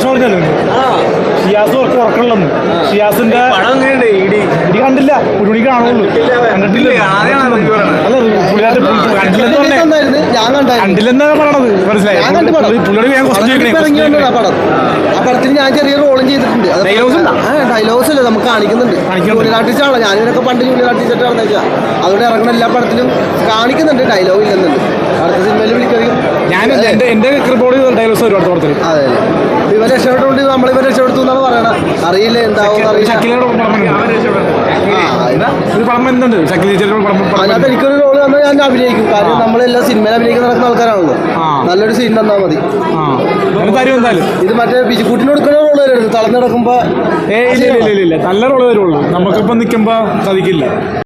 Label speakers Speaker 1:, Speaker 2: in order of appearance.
Speaker 1: പ്രശ്നം പറഞ്ഞാലും ഷിയാസ് ഉറക്കമുള്ളന്ന് ഷിയാസിന്റെ ഇടി കണ്ടില്ല ഒരു മണിക്ക് കാണുള്ളൂ കണ്ടിട്ടില്ല കണ്ടില്ലെന്നാ പറയണത് മനസ്സിലായി പുള്ളിയോട് ഞാൻ
Speaker 2: ആ പടത്തിൽ ഞാൻ ചെറിയ റോളും ചെയ്തിട്ടുണ്ട്. ഡയലോഗ്സ് അല്ലേ നമുക്ക് കാണിക്കുന്നുണ്ട്. ജൂനിയർ ആർട്ടിസ്റ്റാണല്ലോ ഞാനിവരൊക്കെ പണ്ട് ജൂനിയർ ആർട്ടിസ്റ്റാണെന്ന് വെച്ചാൽ അതുകൊണ്ട് ഇറങ്ങുന്ന എല്ലാ പടത്തിലും കാണിക്കുന്നുണ്ട്. ഡയലോഗ് ഇല്ലെന്നുണ്ട്. അടുത്ത സിനിമയിൽ വിളിക്കുകയും
Speaker 1: ഞാൻ എന്റെ ക്രിബോർഡ് ഡയലോഗ്സ് ഒരുപാട് പടത്തിൽ
Speaker 2: അതെ ഇവരെ രക്ഷപ്പെട്ടുകൊണ്ട് നമ്മളിവരെ രക്ഷപ്പെടുത്തു എന്നാണ് പറയണത്. അറിയില്ല എന്താവും അതിനകത്ത് എനിക്കൊരു റോള് തന്നാൽ ഞാൻ അഭിനയിക്കും. കാരണം നമ്മളെല്ലാം സിനിമയിൽ അഭിനയിക്കുന്ന നടക്കുന്ന ആൾക്കാരാണല്ലോ. നല്ലൊരു സീൻ തന്നാൽ മതി. ഇത് മറ്റേ ബിജുക്കുട്ടിന് കൊടുക്കുന്ന റോള് വരരുത്. തളർന്നു കിടക്കുമ്പോ
Speaker 1: നല്ല റോള് വരുള്ളൂ. നമുക്കിപ്പം നിൽക്കുമ്പോ സാധിക്കില്ല.